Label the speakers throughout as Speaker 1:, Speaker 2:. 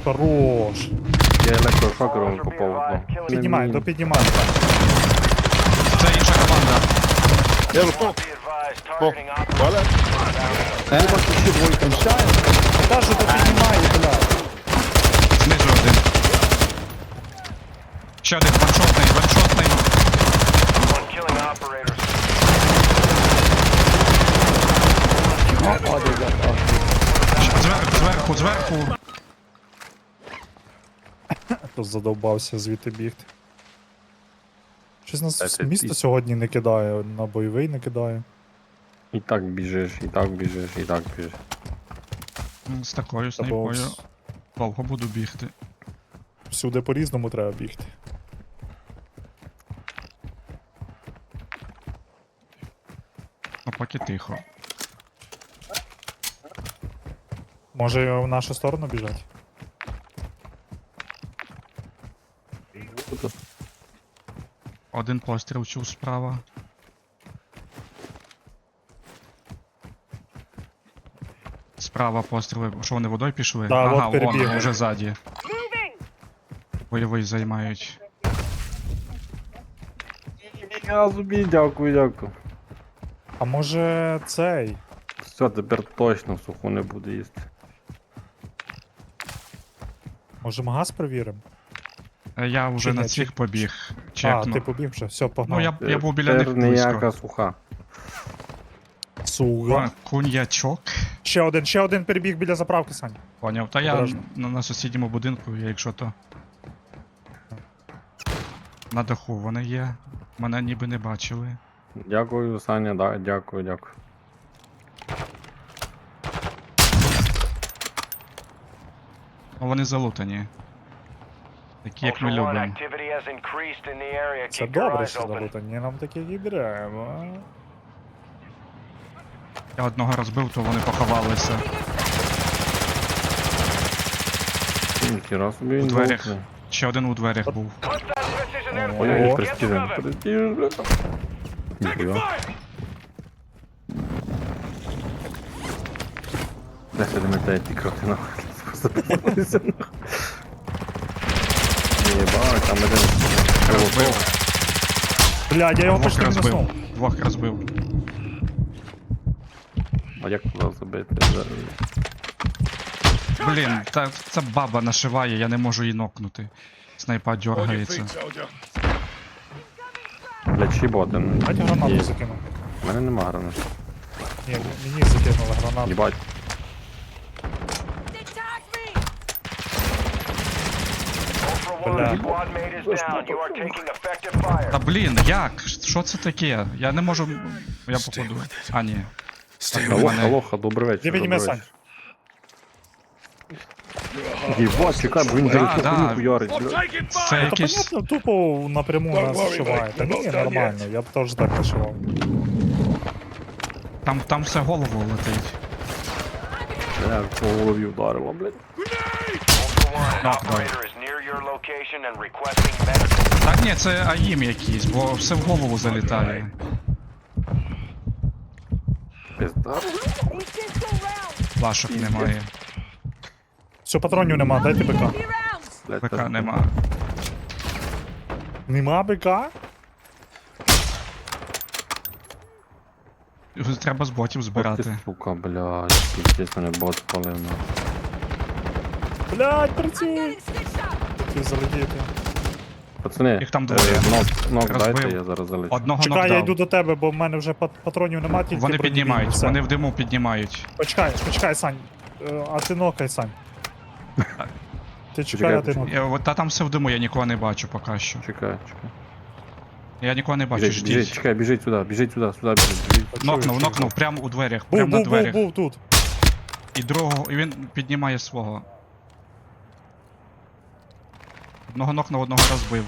Speaker 1: Хорош.
Speaker 2: Я електрошокером попав одно.
Speaker 1: Піднімай, допіднімай.
Speaker 3: Це інша команда.
Speaker 4: Я випав. Валя.
Speaker 2: Ще двойка.
Speaker 1: Кажу, допіднімай, блядь.
Speaker 3: Знизу один. Ще один ваншотний, ваншотний. Зверху, зверху.
Speaker 1: Хто задовбався звідти бігти. Щось нас
Speaker 2: Це
Speaker 1: місто
Speaker 2: ти.
Speaker 1: сьогодні не кидає, на бойовий не кидає.
Speaker 2: І так біжиш, і так біжиш, і так біжиш.
Speaker 3: З такою
Speaker 1: Або
Speaker 3: снайпою довго буду бігти.
Speaker 1: всюди по-різному треба бігти.
Speaker 3: А поки тихо.
Speaker 1: Може в нашу сторону біжать?
Speaker 3: Один постріл чув справа. Справа постріли. Що вони водою пішли?
Speaker 1: Да,
Speaker 3: ага,
Speaker 1: от перебігли.
Speaker 3: вон, вже ззаді. Бойовий займають.
Speaker 2: Я зубі, дякую, дякую.
Speaker 1: А може цей?
Speaker 2: Все, тепер точно суху не буде їсти.
Speaker 1: Може магаз перевіримо?
Speaker 3: Я вже
Speaker 1: Чи
Speaker 3: на
Speaker 1: ні,
Speaker 3: цих
Speaker 1: чи-
Speaker 3: побіг.
Speaker 1: А,
Speaker 3: Чекну.
Speaker 1: ти побіг вже, все, погнав.
Speaker 3: Ну я був біля них
Speaker 2: Тепер ніяка
Speaker 3: близько.
Speaker 2: суха.
Speaker 1: Суга.
Speaker 3: Куньячок.
Speaker 1: Ще один перебіг біля заправки, Сань.
Speaker 3: Поняв. Та я
Speaker 1: Обережно.
Speaker 3: на сусідньому будинку, я якщо то. На даху вони є. Мене ніби не бачили.
Speaker 2: Дякую, Саня, да, дякую, дякую.
Speaker 3: Ну вони залутані. Такі як ми любимо.
Speaker 1: Це добре, що залутані, нам таких і треба.
Speaker 3: Я одного розбив, то вони поховалися.
Speaker 2: Ніхіра собі
Speaker 3: У
Speaker 2: він
Speaker 3: дверях.
Speaker 2: залутний.
Speaker 3: Ще один у дверях був.
Speaker 2: Ой,
Speaker 1: О.
Speaker 2: престижен. Престижен, бля. Ніхіра. Де ще не метає ті кроти нахуй. Запалися нахуй. Єбать, там один.
Speaker 3: Розбив.
Speaker 1: Блядь, я його
Speaker 3: Двох
Speaker 1: почти
Speaker 3: розбив.
Speaker 1: мінуснув.
Speaker 3: Двох розбив.
Speaker 2: А як туди забити?
Speaker 3: Блін, ця баба нашиває, я не можу її нокнути. Снайпа
Speaker 4: Hold your
Speaker 3: дергається.
Speaker 4: feet, soldier.
Speaker 2: Бля, чіп один.
Speaker 1: Дайте гранату
Speaker 2: Є.
Speaker 1: закину.
Speaker 2: У мене нема гранат.
Speaker 1: Ні, мені закинули гранату.
Speaker 2: Єбать.
Speaker 1: Бля.
Speaker 3: Та блін, як? Що це таке? Я не можу. Я походу. А, ні. Так,
Speaker 2: Алоха,
Speaker 3: мене-
Speaker 2: алоха, добрий вечір.
Speaker 1: Де підніме,
Speaker 2: добрий
Speaker 1: Сань?
Speaker 2: вечір. Єбать, чекай, бо він
Speaker 3: Да,
Speaker 2: зараз
Speaker 3: да.
Speaker 2: хуйню хуярить,
Speaker 4: I'm
Speaker 2: бля.
Speaker 4: taking
Speaker 3: Це
Speaker 4: fire.
Speaker 1: Та
Speaker 3: якийсь.
Speaker 1: понятно, тупо напряму
Speaker 4: Don't
Speaker 1: нас
Speaker 4: worry,
Speaker 1: вшиває.
Speaker 4: mate,
Speaker 1: Та
Speaker 4: we're
Speaker 1: ні,
Speaker 4: not done
Speaker 1: нормально, я б теж так вишивав.
Speaker 3: Там все голову летить.
Speaker 2: Бля, по голові вдарило, блядь.
Speaker 3: Так ні, це АІМ якийсь, бо все в голову залітає.
Speaker 2: Пизда.
Speaker 3: Плашок немає.
Speaker 1: Все, патронів нема, дайте БК.
Speaker 2: Блядь,
Speaker 3: ПК
Speaker 2: та-
Speaker 3: нема.
Speaker 1: Нема БК?
Speaker 3: Треба з ботів
Speaker 2: Ох ти,
Speaker 3: збирати.
Speaker 2: сука, блядь, пиздець мене бот спалив, на.
Speaker 1: Блядь, працюй! Ти залетіти.
Speaker 2: Пацани,
Speaker 3: Їх там двоє.
Speaker 2: Нок
Speaker 3: Розбив.
Speaker 2: дайте, я зараз залечу.
Speaker 3: Одного
Speaker 1: Чекай, я
Speaker 3: нокдав.
Speaker 1: йду до тебе, бо в мене вже патронів нема, тільки
Speaker 3: Вони
Speaker 1: бронебійні,
Speaker 3: піднімають,
Speaker 1: все.
Speaker 3: вони в диму піднімають.
Speaker 1: Почекай, Сань. А ти нокай, Сань. Ти чекай, а ти нокай.
Speaker 3: Та там все в диму, я нікого не бачу поки що.
Speaker 2: Чекай.
Speaker 3: Я нікого не бачу,
Speaker 2: Біжить, біжить,
Speaker 3: ждіть.
Speaker 2: чекай, біжить сюди, сюди біжить.
Speaker 3: Нокнув, прямо у дверях,
Speaker 1: Був,
Speaker 3: прямо на
Speaker 1: був, був,
Speaker 3: дверях.
Speaker 1: був тут.
Speaker 3: І другого, і він піднімає свого. Одного нокнув, одного розбив.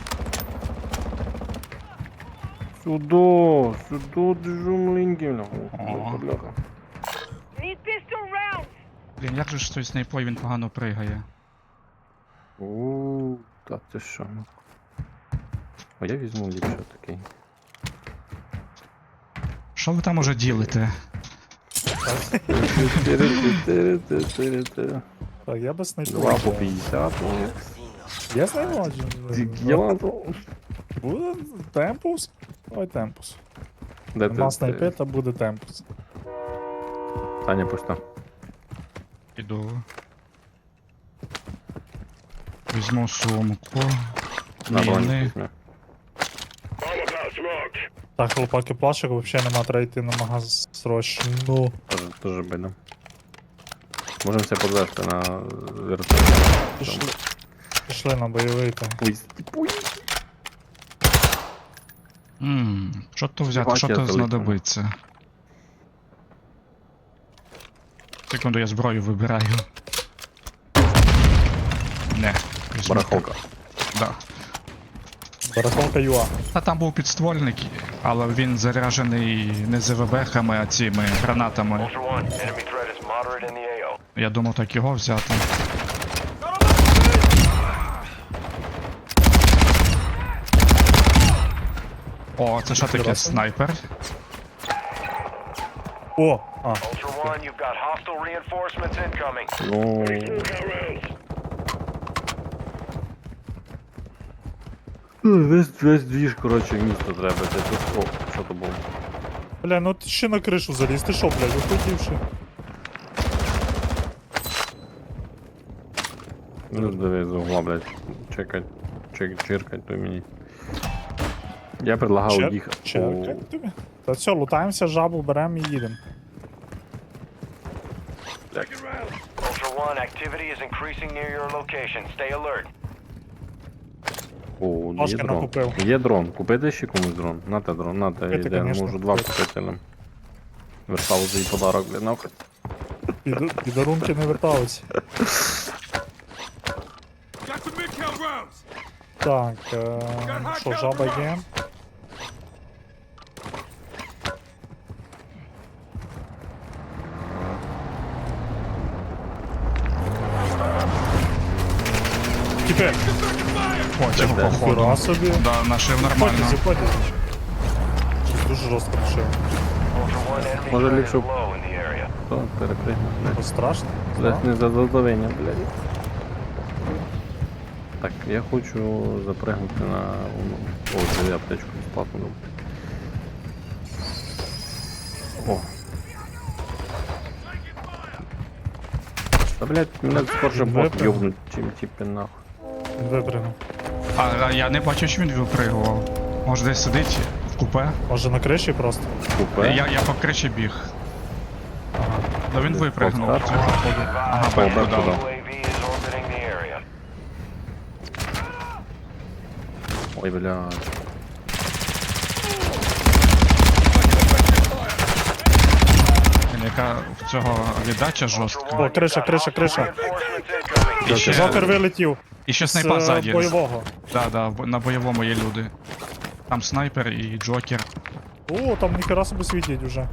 Speaker 2: Сюди, держу маленький,
Speaker 3: О.
Speaker 2: бляха.
Speaker 3: Блін, як же ж з тою снайпою він погано пригає.
Speaker 2: Ууу, та ти що, ну. А я візьму ліпше такий.
Speaker 3: Що ви там уже ділите?
Speaker 1: Так, я без снайпу.
Speaker 2: 2 по 50.
Speaker 1: Є снайподжі?
Speaker 2: Я
Speaker 1: Буде темпус? Ой, темпус.
Speaker 2: Де
Speaker 1: Нема
Speaker 2: ти?
Speaker 1: снайпи, та буде темпус.
Speaker 2: Таня пуста.
Speaker 3: Іду. Візьму сумку.
Speaker 2: На броню
Speaker 3: Міни.
Speaker 2: візьме.
Speaker 1: Так, хлопаки, плашок взагалі нема, треба йти на магаз срочно.
Speaker 2: Тоже бідно. Можемо це подвести на вертолет.
Speaker 1: Пішли. Пішли на бойовий там.
Speaker 2: Ой,
Speaker 3: Що то взяти,
Speaker 2: Бачу,
Speaker 3: що
Speaker 2: я
Speaker 3: то
Speaker 2: залетів.
Speaker 3: знадобиться? Секунду, я зброю вибираю. Не. візьму.
Speaker 2: барахолка.
Speaker 3: Да.
Speaker 1: Барахолка ЮА.
Speaker 3: А там був підствольник, але він заряджений не ЗВБ-хами, а цими гранатами.
Speaker 5: Ultra One, enemy threat is moderate in the AO.
Speaker 3: Я думав так його взяти. О, це що таке? Снайпер?
Speaker 1: О! А,
Speaker 5: Ultra One, you've got hostile reinforcements incoming.
Speaker 2: Ну... Весь двіж, коротше, в місто треба. Це тут, о, що то було?
Speaker 1: бля, ну ти ще на кришу заліз, ти що, блядь, виходивши?
Speaker 2: Ну, диви, з угла, блядь. Чекать, чиркать, то мені. Я предлагав їх...
Speaker 1: Черкай тобі. Та все, лутаємося, жабу беремо і їдемо.
Speaker 5: Ultra One, activity is increasing near your location. Stay alert.
Speaker 2: О, є
Speaker 1: Пашка
Speaker 2: дрон.
Speaker 1: накупив.
Speaker 2: Є дрон. Купити ще комусь дрон? Нате дрон, нате,
Speaker 1: Купити,
Speaker 2: йде,
Speaker 1: конечно,
Speaker 2: можу 2
Speaker 1: купити.
Speaker 2: купити нам. Вертав за її подарок, блядь, нахуй.
Speaker 1: Підарунки не верталися. Так, що, жаба є? Тепер,
Speaker 3: О, цього
Speaker 2: Де?
Speaker 3: походу.
Speaker 1: хіра собі.
Speaker 3: Да, нашив нормально.
Speaker 1: Заходять. Щось дуже жорстко пішов.
Speaker 5: Ultra One, enemy
Speaker 2: Може,
Speaker 5: threat is
Speaker 2: ліпше-
Speaker 5: low in the area.
Speaker 2: То, перепригну.
Speaker 1: Ось страшно.
Speaker 2: Блядь, не за задоволення, блядь. Так, я хочу запригнути на... О, це аптечку безплатно дам. О. Та, блядь, мене скорше бот
Speaker 1: Випрыгнув.
Speaker 2: йобнуть, чим типи нахуй.
Speaker 1: Випрыгнув.
Speaker 3: А я не бачу, що він випригував. Може десь сидить в купе?
Speaker 1: Може на криші просто?
Speaker 2: Купе.
Speaker 3: Я по кричі біг.
Speaker 1: Ага.
Speaker 3: Ну він
Speaker 2: Десь
Speaker 3: випригнув.
Speaker 2: повстав.
Speaker 3: Цього походу. Ага,
Speaker 2: Бомба
Speaker 3: бомбу дав.
Speaker 2: туди.
Speaker 5: UAV is orbiting the area.
Speaker 2: Ой, блядь.
Speaker 3: Блін, яка в цього віддача
Speaker 5: Ultra
Speaker 3: жорстка.
Speaker 5: One,
Speaker 1: О, криша,
Speaker 5: you've got
Speaker 1: криша,
Speaker 5: hostile
Speaker 1: криша.
Speaker 5: reinforcements incoming.
Speaker 3: І ще,
Speaker 1: Жокер вилетів
Speaker 3: і ще
Speaker 1: з
Speaker 3: снайпа ззаді.
Speaker 1: бойового.
Speaker 3: Да, на бойовому є люди. Там снайпер і джокер.
Speaker 1: О, там ніхера собі світять уже.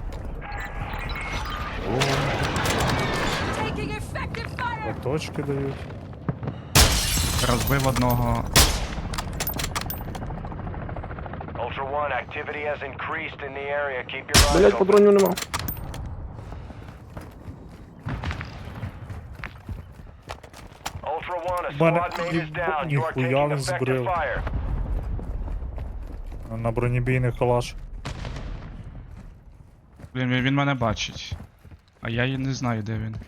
Speaker 6: Taking effective fire!
Speaker 1: Точки дають.
Speaker 3: Розбив одного.
Speaker 5: Ultra One, activity has increased in the area. Keep your eyes
Speaker 2: Блядь,
Speaker 5: open.
Speaker 2: патронів нема.
Speaker 5: Ultra One, a
Speaker 1: Мене
Speaker 5: squad mate is down. You are
Speaker 1: ніхуя
Speaker 5: taking
Speaker 1: він
Speaker 5: effective
Speaker 1: збрив.
Speaker 5: fire.
Speaker 1: На бронебійний калаш.
Speaker 3: Блін, він мене бачить. А я і не знаю, де він.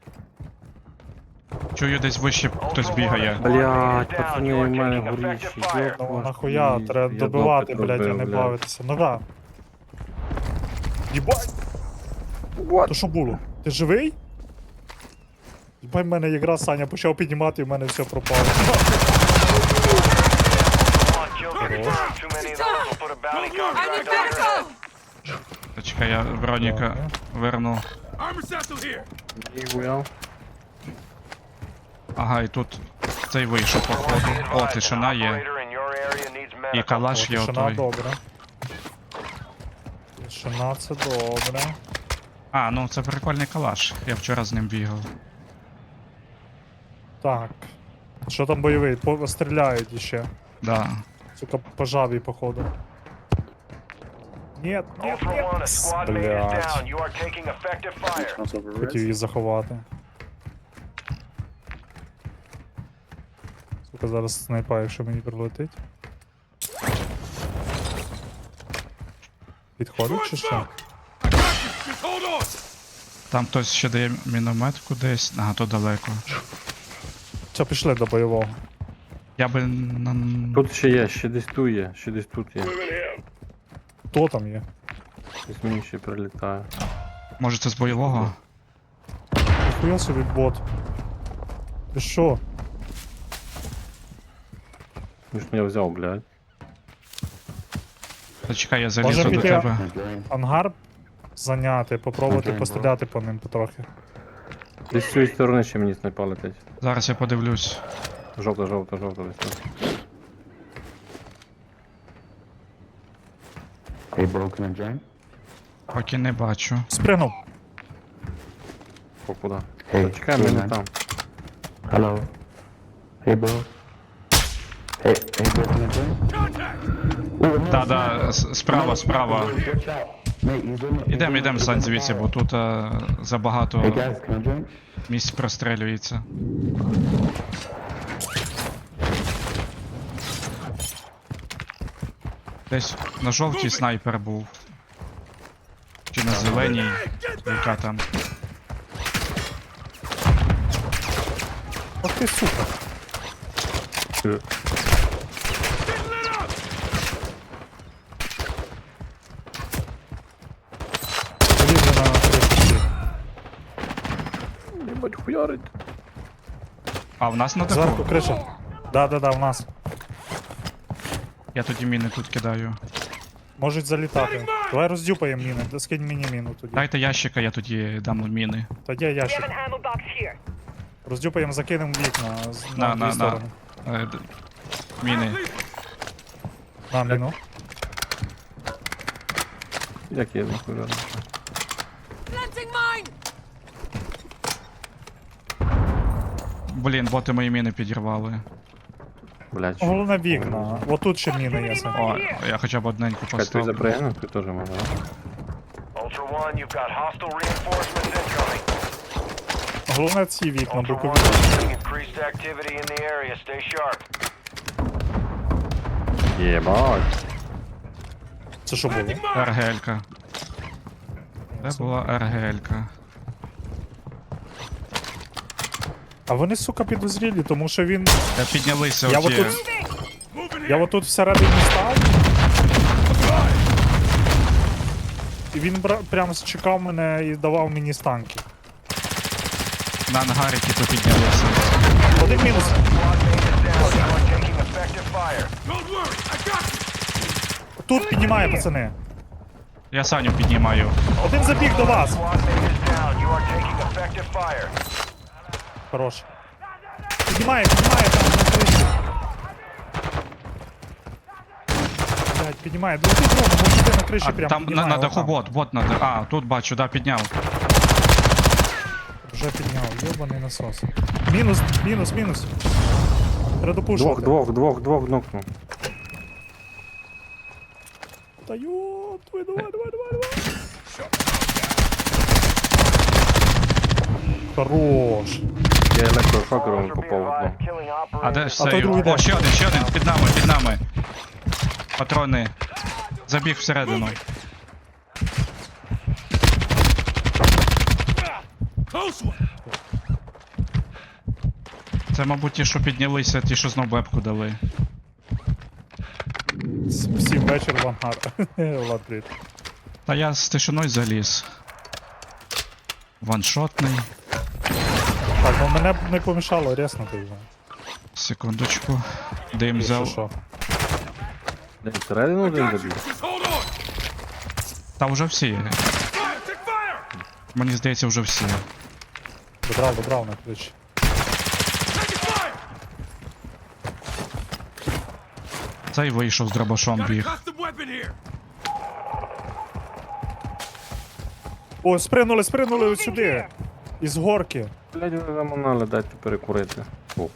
Speaker 3: Чую, десь вище хтось бігає.
Speaker 2: Блядь, пацани, в мене горіші.
Speaker 1: Ну нахуя, треба добивати, блядь, а не бавитися. Нога. Єбать! То що було? Ти живий? Єбать, в мене якраз Саня почав піднімати, і в мене все пропало.
Speaker 5: Kill confirmed. Too many of those will put a bounty
Speaker 6: I need
Speaker 5: contract on your head.
Speaker 6: medical!
Speaker 3: Чекай, я Вероніка верну.
Speaker 2: Ніхуя.
Speaker 3: Ага, і тут цей вийшов, походу. О, тишина є.
Speaker 5: Operator in your area needs
Speaker 3: І
Speaker 5: medical.
Speaker 3: калаш є
Speaker 1: Тишина
Speaker 3: отой.
Speaker 1: добре. Тишина це добре.
Speaker 3: А, ну це прикольний калаш. Я вчора з ним бігав.
Speaker 1: Так. Що там бойовий? Стріляють іще.
Speaker 3: Да.
Speaker 1: Сука, по жабі, походу. Нет, нет,
Speaker 5: Ultra One, a
Speaker 1: нет.
Speaker 5: squad mate is
Speaker 1: Блядь.
Speaker 5: down. You are taking effective fire.
Speaker 1: Хотів її заховати. Сука, зараз снайпа, якщо мені прилетить. Підходить чи що?
Speaker 3: Там хтось ще дає міномет кудись. Ага, то далеко.
Speaker 1: Все, пішли до бойового.
Speaker 3: Я би на...
Speaker 2: Тут ще є, ще десь тут є, ще десь тут є.
Speaker 1: Хто там є?
Speaker 2: Десь мені ще прилітає.
Speaker 3: Може це з бойового?
Speaker 1: Хуя собі бот. Ти що?
Speaker 2: Ну ж я взяв, блядь.
Speaker 3: Та чекай, я
Speaker 1: Може
Speaker 3: залізу до
Speaker 1: піти
Speaker 3: тебе.
Speaker 1: ангар зайняти, попробувати постріляти по ним потрохи.
Speaker 2: Десь з цієї сторони ще мені снайпа летить.
Speaker 3: Зараз я подивлюсь.
Speaker 2: Жовта, жовта, жовта десь тут.
Speaker 7: Hey, bro, can I join?
Speaker 3: Поки не бачу.
Speaker 1: Спригнув.
Speaker 2: О, куди?
Speaker 7: Hey,
Speaker 2: Та чекай, ми не
Speaker 7: man.
Speaker 2: там.
Speaker 7: Hello. Hey, bro. Hey, bro, can I join?
Speaker 3: Да, справа, справа.
Speaker 7: Watch out. Mate, he's on the...
Speaker 3: Ідем, Сань, звідси, бо тут забагато
Speaker 7: Hey, guys, can I join?
Speaker 3: місць прострелюється. Десь на жовтій снайпер був. Чи на зеленій, яка там.
Speaker 1: Ох ти сука. Полізли на кришку.
Speaker 2: Єбать, хуярить.
Speaker 3: А, в нас на
Speaker 1: Зверху
Speaker 3: даху?
Speaker 1: криша. Да, в нас.
Speaker 3: Я тоді міни тут кидаю.
Speaker 1: Можуть залітати. Давай роздюпаємо міни. Скинь мені міну тоді.
Speaker 3: Дайте ящика, я тоді дам міни.
Speaker 1: Та є ящик. Роздюпаємо, закинемо вікна на дві сторони.
Speaker 3: Міни.
Speaker 1: На міну.
Speaker 2: Як я нахуй.
Speaker 6: Planting mine!
Speaker 3: Блін, боти мої міни підірвали.
Speaker 2: Блядь, що?
Speaker 1: Головне вікна. Отут ще міни є. Сань.
Speaker 3: О, я хоча б одненьку
Speaker 2: Чекай, ти
Speaker 3: поставлю.
Speaker 2: запрягнув, ти теж можна, да?
Speaker 5: Ultra One, you've got hostile reinforcements incoming.
Speaker 1: Головне ці вікна,
Speaker 5: Ultra
Speaker 1: бокові.
Speaker 5: One, we're seeing increased activity in the area. Stay sharp.
Speaker 2: Єбать.
Speaker 1: Це що було?
Speaker 3: РГЛ-ка. Це була РГЛ-ка.
Speaker 1: А вони, сука, підозрілі, тому що він.
Speaker 3: Піднялися
Speaker 1: Я
Speaker 3: оті.
Speaker 1: отут всередині став. І він прямо чекав мене і давав мені станки.
Speaker 3: На ангарі типу піднялися.
Speaker 1: Один мінус.
Speaker 5: Squad mate is down. You are taking effective fire.
Speaker 1: Тут піднімає, пацани.
Speaker 3: Я Саню піднімаю.
Speaker 1: Один забіг до вас.
Speaker 5: Squad mate is down. You are taking effective fire.
Speaker 1: Хорош. Піднімає там на криші. Блять, піднімає. Лети дрон, може йти на криші
Speaker 3: А,
Speaker 1: прямо.
Speaker 3: там на
Speaker 1: піднімає,
Speaker 3: даху
Speaker 1: отам.
Speaker 3: бот на даху. А, тут бачу, да, підняв.
Speaker 1: Вже підняв, йобаний насос. Мінус. Треба допушувати.
Speaker 2: Двох нокнув.
Speaker 1: Та йоп, давай. Хорош.
Speaker 2: Я електрошокером
Speaker 5: Ultra be
Speaker 2: попав в одну.
Speaker 5: advised, killing
Speaker 3: А де
Speaker 5: operators.
Speaker 3: ж
Speaker 1: той
Speaker 3: цей?
Speaker 1: другий
Speaker 3: О,
Speaker 1: де?
Speaker 3: ще один, під нами. Патрони. Забіг всередину. Це, мабуть, ті, що піднялися, ті, що знов бебку дали.
Speaker 1: Всім вечір в ангар. Влад, привіт.
Speaker 3: Та я з тишиною заліз. Ваншотний.
Speaker 1: Так, ну мене б не помішало ряснути вже.
Speaker 3: Секундочку. Дим
Speaker 1: Якщо
Speaker 3: взяв.
Speaker 1: що.
Speaker 2: Блядь, всередину один забіг.
Speaker 3: Та вже всі. Мені здається, вже всі.
Speaker 1: Добрав на ключ.
Speaker 3: Цей вийшов з дробашом біг.
Speaker 1: О, спригнули ось сюди. Із горки.
Speaker 2: Блядь, ви заманали, дайте перекурити. О.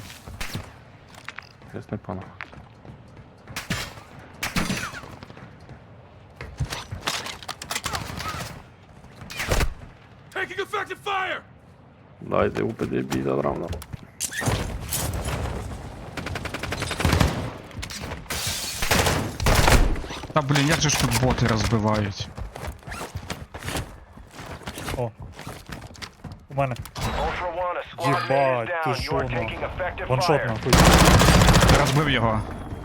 Speaker 2: Ясний пан. Дайте УПД бій задрав нам.
Speaker 3: Та блін, як же ж тут боти розбивають?
Speaker 1: О. У мене.
Speaker 5: Ultra One, a squad mate
Speaker 1: Єбать,
Speaker 5: is
Speaker 1: ти
Speaker 5: down.
Speaker 1: що,
Speaker 5: You're
Speaker 1: ну?
Speaker 5: taking effective
Speaker 1: Ваншот
Speaker 5: fire.
Speaker 1: нахуй.
Speaker 3: Розбив його.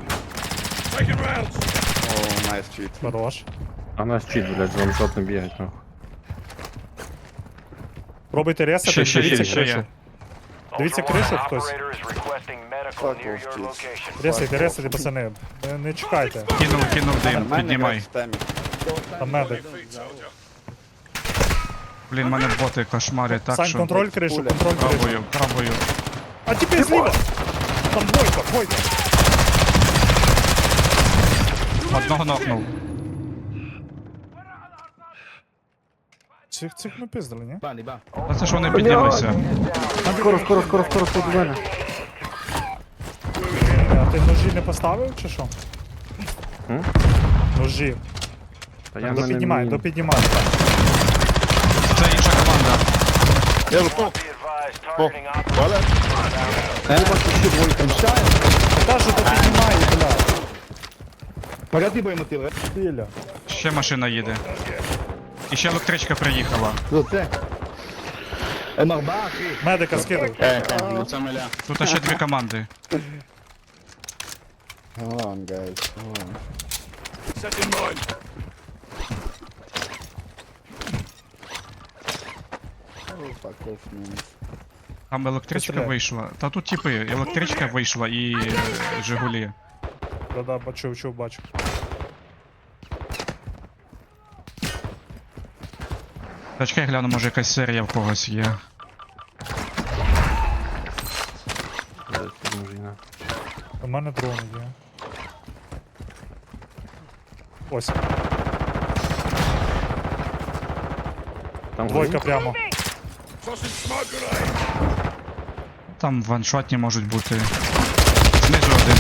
Speaker 4: Oh, nice cheat.
Speaker 1: Хорош.
Speaker 2: А нас чит, блядь, ваншотно бігать, нахуй.
Speaker 1: Пробуйте ресати,
Speaker 3: Ще
Speaker 1: дивіться
Speaker 3: є.
Speaker 1: кришу. Дивіться
Speaker 5: Ultra One,
Speaker 1: кришу
Speaker 5: an
Speaker 1: хтось.
Speaker 5: operator is requesting medical
Speaker 4: Fuck
Speaker 5: near
Speaker 4: off,
Speaker 5: your
Speaker 4: jeez.
Speaker 5: location.
Speaker 1: Ресайте, пацани. Не чекайте.
Speaker 3: Кинув дим,
Speaker 4: Нормально
Speaker 3: піднімай.
Speaker 4: грати в темі.
Speaker 1: Там медик.
Speaker 3: Блін, мене боти кошмарять так,
Speaker 1: Сань,
Speaker 3: що...
Speaker 1: контроль кришу,
Speaker 4: Пуля.
Speaker 1: контроль кришу.
Speaker 3: Пробую.
Speaker 1: А теперь зліва! Там двойка.
Speaker 3: Одного нокнув.
Speaker 1: Цих ми пиздили, ні?
Speaker 3: А це ж вони піднялися.
Speaker 2: Скоро, тут у мене.
Speaker 1: А ти ножі не поставив чи що?
Speaker 2: М?
Speaker 1: Ножі.
Speaker 2: Та я мене
Speaker 1: Допіднімай.
Speaker 3: Це інша команда.
Speaker 4: Yellow smoke.
Speaker 5: Be advised,
Speaker 4: Oh,
Speaker 5: targeting operators.
Speaker 4: toilet.
Speaker 1: Кажу, допіднімай, бля.
Speaker 4: Погоди, боймотили.
Speaker 1: Біля.
Speaker 3: Ще машина їде. І ще електричка приїхала.
Speaker 4: Це. Марбах.
Speaker 1: Медика скидав.
Speaker 3: Тут ще дві команди.
Speaker 4: Hold on, guys. Hold on. Oh, fuck off, man.
Speaker 3: Там електричка
Speaker 1: Постріляй.
Speaker 3: вийшла. Та тут типи, електричка вийшла і Жигулі.
Speaker 1: Да, бачу.
Speaker 3: Чекай, гляну, може якась серія в когось є.
Speaker 2: Блядь, підмужина.
Speaker 1: У мене дрони є. Ось,
Speaker 2: Там
Speaker 1: двойка прямо.
Speaker 3: Там ваншотні можуть бути. Знизу один.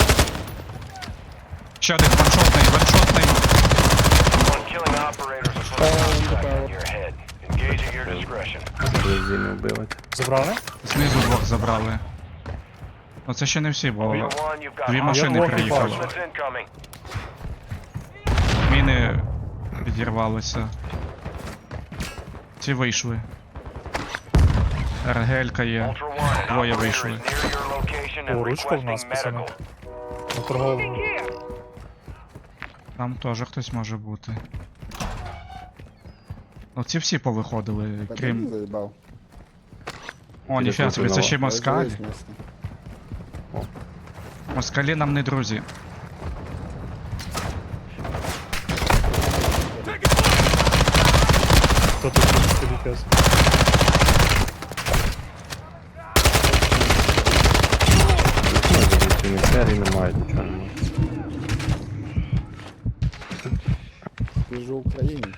Speaker 3: Ще один ваншотний.
Speaker 5: One killing operators is putting a sight in your head. Engage at your discretion.
Speaker 2: Блядь, не вбивати.
Speaker 1: Забрали?
Speaker 3: Знизу двох забрали. Ну це ще не всі, бо
Speaker 5: Ultra One, you've got
Speaker 3: дві
Speaker 5: hostile
Speaker 3: машини
Speaker 1: двох
Speaker 3: приїхали.
Speaker 1: бачу.
Speaker 5: reinforcements incoming.
Speaker 3: Міни підірвалися. Ці вийшли. РГЛ-ка є.
Speaker 5: Ultra One, an
Speaker 3: Двоє
Speaker 5: operator
Speaker 3: вийшли.
Speaker 5: is near your location and
Speaker 1: О, ручка в нас,
Speaker 5: requesting
Speaker 1: пацани.
Speaker 5: medical.
Speaker 1: На торговому.
Speaker 3: Там теж хтось може бути. Ну ці всі повиходили, крім...
Speaker 4: Заїбав.
Speaker 3: О, ніфіга собі, це ще москаль.
Speaker 4: Розумієш, місце.
Speaker 3: Москалі нам не друзі.
Speaker 1: Хто тут сидить?
Speaker 2: Ці не серії не мають, нічого немає.
Speaker 4: Ти ж українець.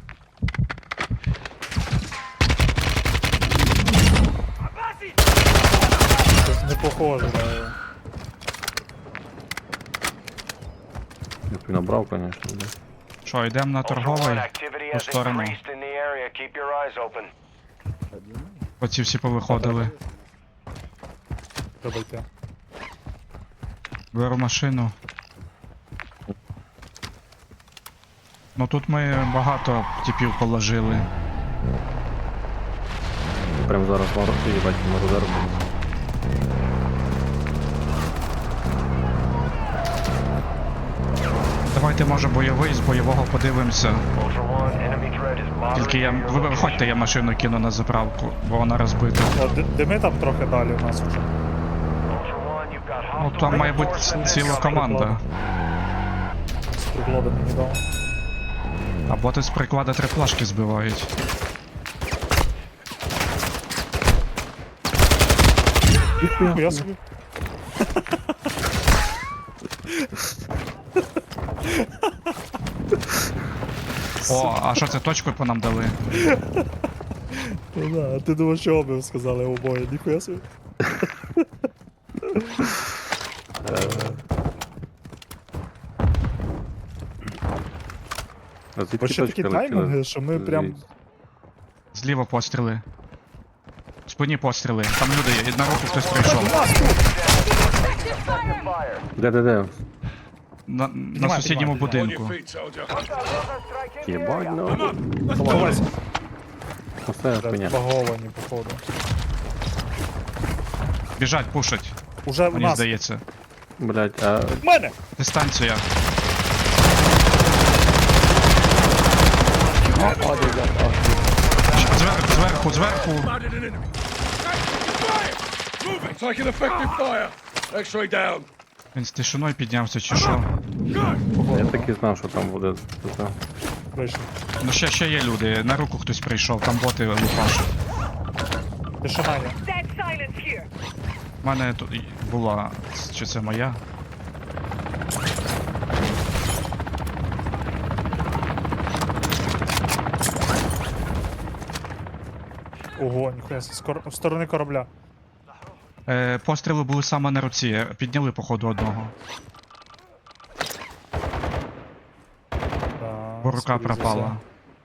Speaker 1: Щось не похоже.
Speaker 2: Я б і набрав, конечно, блядь.
Speaker 3: Що, йдемо на
Speaker 5: Ultra One,
Speaker 3: торговий?
Speaker 5: activity
Speaker 3: ту
Speaker 5: has
Speaker 3: сторону.
Speaker 5: increased in the area. Keep your eyes open.
Speaker 3: Оці всі повиходили.
Speaker 1: Треба йти.
Speaker 3: Беру машину. Ну тут ми багато типів положили.
Speaker 2: Прям зараз можу їбать, можу заробити.
Speaker 3: Давайте, може, бойовий, з бойового подивимося.
Speaker 5: Ultra One, enemy threat is
Speaker 3: Тільки я...
Speaker 5: monitoring your
Speaker 3: Ви виходьте, я машину кину на заправку, бо вона розбита.
Speaker 1: О, дими там трохи далі у нас вже.
Speaker 5: Ultra One, you've got
Speaker 3: Ну
Speaker 5: hostile
Speaker 3: там має бути
Speaker 5: reinforcements
Speaker 3: ціла
Speaker 5: incoming.
Speaker 3: команда.
Speaker 1: З приклада мені дав.
Speaker 3: А боти з приклада 3 плашки збивають.
Speaker 1: Я собі.
Speaker 3: О, а що це точку по нам дали?
Speaker 1: Ну да, а ти думав, що обив сказали обоє, ніхуя собі.
Speaker 2: А звідки
Speaker 1: Бо ще такі
Speaker 2: точка летіла?
Speaker 1: таймінги, що ми прям.
Speaker 2: Звідси.
Speaker 3: Зліва постріли. В спині постріли. Там люди є. На руку хтось прийшов.
Speaker 5: Effective fire.
Speaker 2: Де?
Speaker 3: на сусідньому будинку.
Speaker 2: Єбать, ну.
Speaker 1: Ховайся.
Speaker 2: Оце хуйня.
Speaker 1: Баговані, походу.
Speaker 3: Біжать, пушать,
Speaker 1: Уже в
Speaker 3: мені
Speaker 1: нас.
Speaker 3: здається.
Speaker 2: Блять, а
Speaker 1: В мене!
Speaker 3: Дистанція. Зверху.
Speaker 8: Taking effective fire. X-ray down.
Speaker 3: Він з тишиною піднявся чи що?
Speaker 2: я так і знав, що там буде. Це.
Speaker 1: Вийшли.
Speaker 3: Ну ще є люди, на руку хтось прийшов, там боти лупашуть.
Speaker 1: Тишина є.
Speaker 6: Dead silence here.
Speaker 3: У мене тут була, чи це моя?
Speaker 1: Ого, ніхуя, в сторони корабля.
Speaker 3: Постріли були саме на руці, підняли походу одного.
Speaker 1: Да,
Speaker 3: Бо рука
Speaker 1: скоріше за
Speaker 3: пропала.
Speaker 1: все.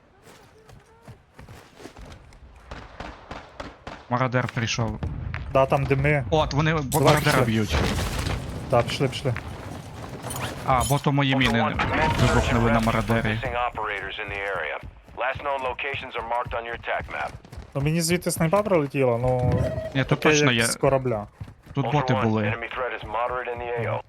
Speaker 3: Мародер прийшов.
Speaker 1: Да, там дими.
Speaker 3: От, вони
Speaker 1: Давай,
Speaker 3: мародера
Speaker 1: пішли.
Speaker 3: б'ють.
Speaker 1: Да, пішли.
Speaker 3: А, бо то мої
Speaker 5: Ultra
Speaker 3: міни
Speaker 5: One, commence search and
Speaker 3: вибухнули на
Speaker 5: rescue for
Speaker 3: мародері.
Speaker 5: missing operators in the area. Last known locations are marked on your attack map.
Speaker 1: Ну мені звідти снайпа прилетіла, ну.
Speaker 3: Ні, тут
Speaker 1: таке,
Speaker 3: точно
Speaker 1: як
Speaker 3: є.
Speaker 1: з корабля.
Speaker 3: Тут
Speaker 5: Ultra
Speaker 3: боти
Speaker 5: One,
Speaker 3: були.
Speaker 5: enemy threat is moderate in the AO.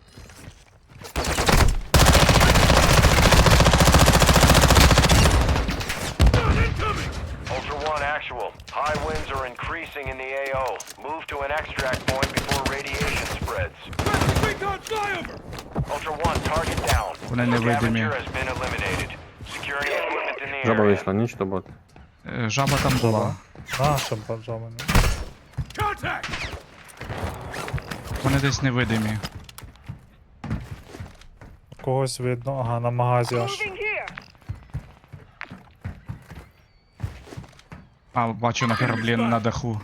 Speaker 5: Ultra One, actual. High winds are increasing in the AO. Move to an extract point before radiation spreads.
Speaker 8: Recon flyover.
Speaker 5: Ultra One, target down.
Speaker 3: Вони невидимі.
Speaker 5: Scavenger has been eliminated. Securing equipment in the
Speaker 2: Жаба
Speaker 5: area.
Speaker 2: вийшла, ніч то бот.
Speaker 3: Жаба там була.
Speaker 1: Наша бажавана.
Speaker 8: Contact.
Speaker 3: Вони десь невидимі.
Speaker 1: Когось видно, ага, на магазі аж.
Speaker 6: Moving here.
Speaker 3: А, бачу на кораблі на даху.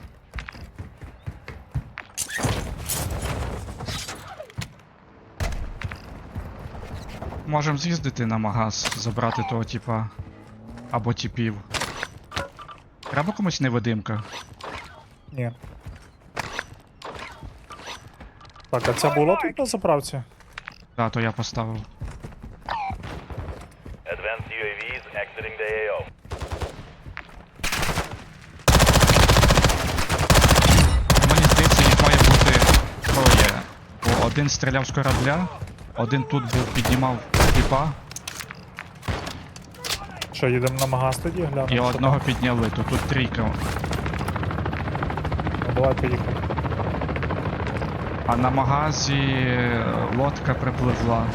Speaker 3: Можем з'їздити на магаз, забрати того типа. Або типів. Треба комусь невидимка.
Speaker 1: Ні. Так, а це було тут на заправці?
Speaker 3: Да, то я поставив.
Speaker 5: Advanced UAVs exiting the AO.
Speaker 3: Мені здається, їх має бути троє. Бо один стріляв з корабля, один тут був, піднімав типа,
Speaker 1: Що, їдемо на магаз тоді, глянемо?
Speaker 3: і
Speaker 1: що
Speaker 3: одного
Speaker 1: там?
Speaker 3: підняли, то тут трійка.
Speaker 1: Ну, давай поїхали.
Speaker 3: А на магазі лодка припливла.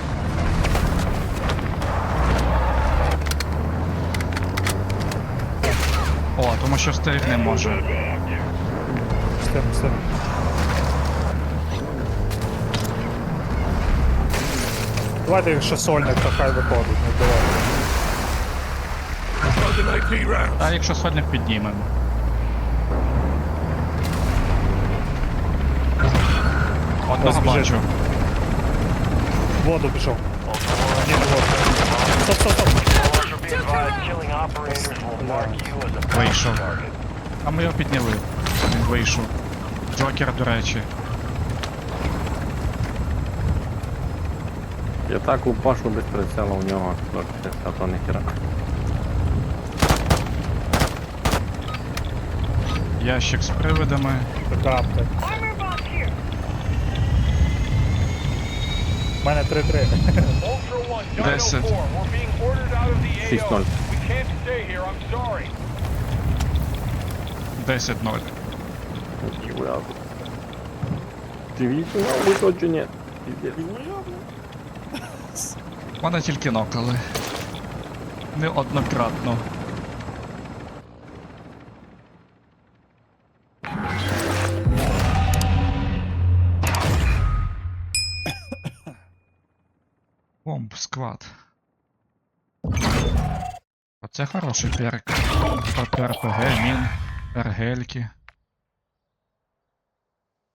Speaker 3: О, тому що стеріг не може.
Speaker 1: Степ. Давайте якщо сольник, то хай виходить, не давай.
Speaker 8: Loading AP round.
Speaker 3: А якщо сольник піднімемо. Одного
Speaker 1: Ось біжить.
Speaker 3: бачу.
Speaker 1: В воду пішов. Ні, в воду. Стоп.
Speaker 5: Ultra be advised, killing operators will mark you as a
Speaker 3: Вийшов.
Speaker 5: target.
Speaker 3: А ми його підняли. Він вийшов. Джокер, до речі.
Speaker 2: Я так лупашу без прицела у нього. А то ніхера.
Speaker 3: Ящик з привидами.
Speaker 1: Така аптека.
Speaker 6: Armor box here.
Speaker 1: У мене 3-3.
Speaker 5: Ultra One, Dino
Speaker 3: 10.
Speaker 5: 4, we're being ordered out of the
Speaker 2: 6-0.
Speaker 5: AO. We can't stay here, I'm sorry.
Speaker 3: 10-0.
Speaker 2: Дивіться, висодження.
Speaker 3: Мене тільки нокали. Неоднократно. Бомб, сквад. Оце хороший перк. РПГ, мін, ергельки.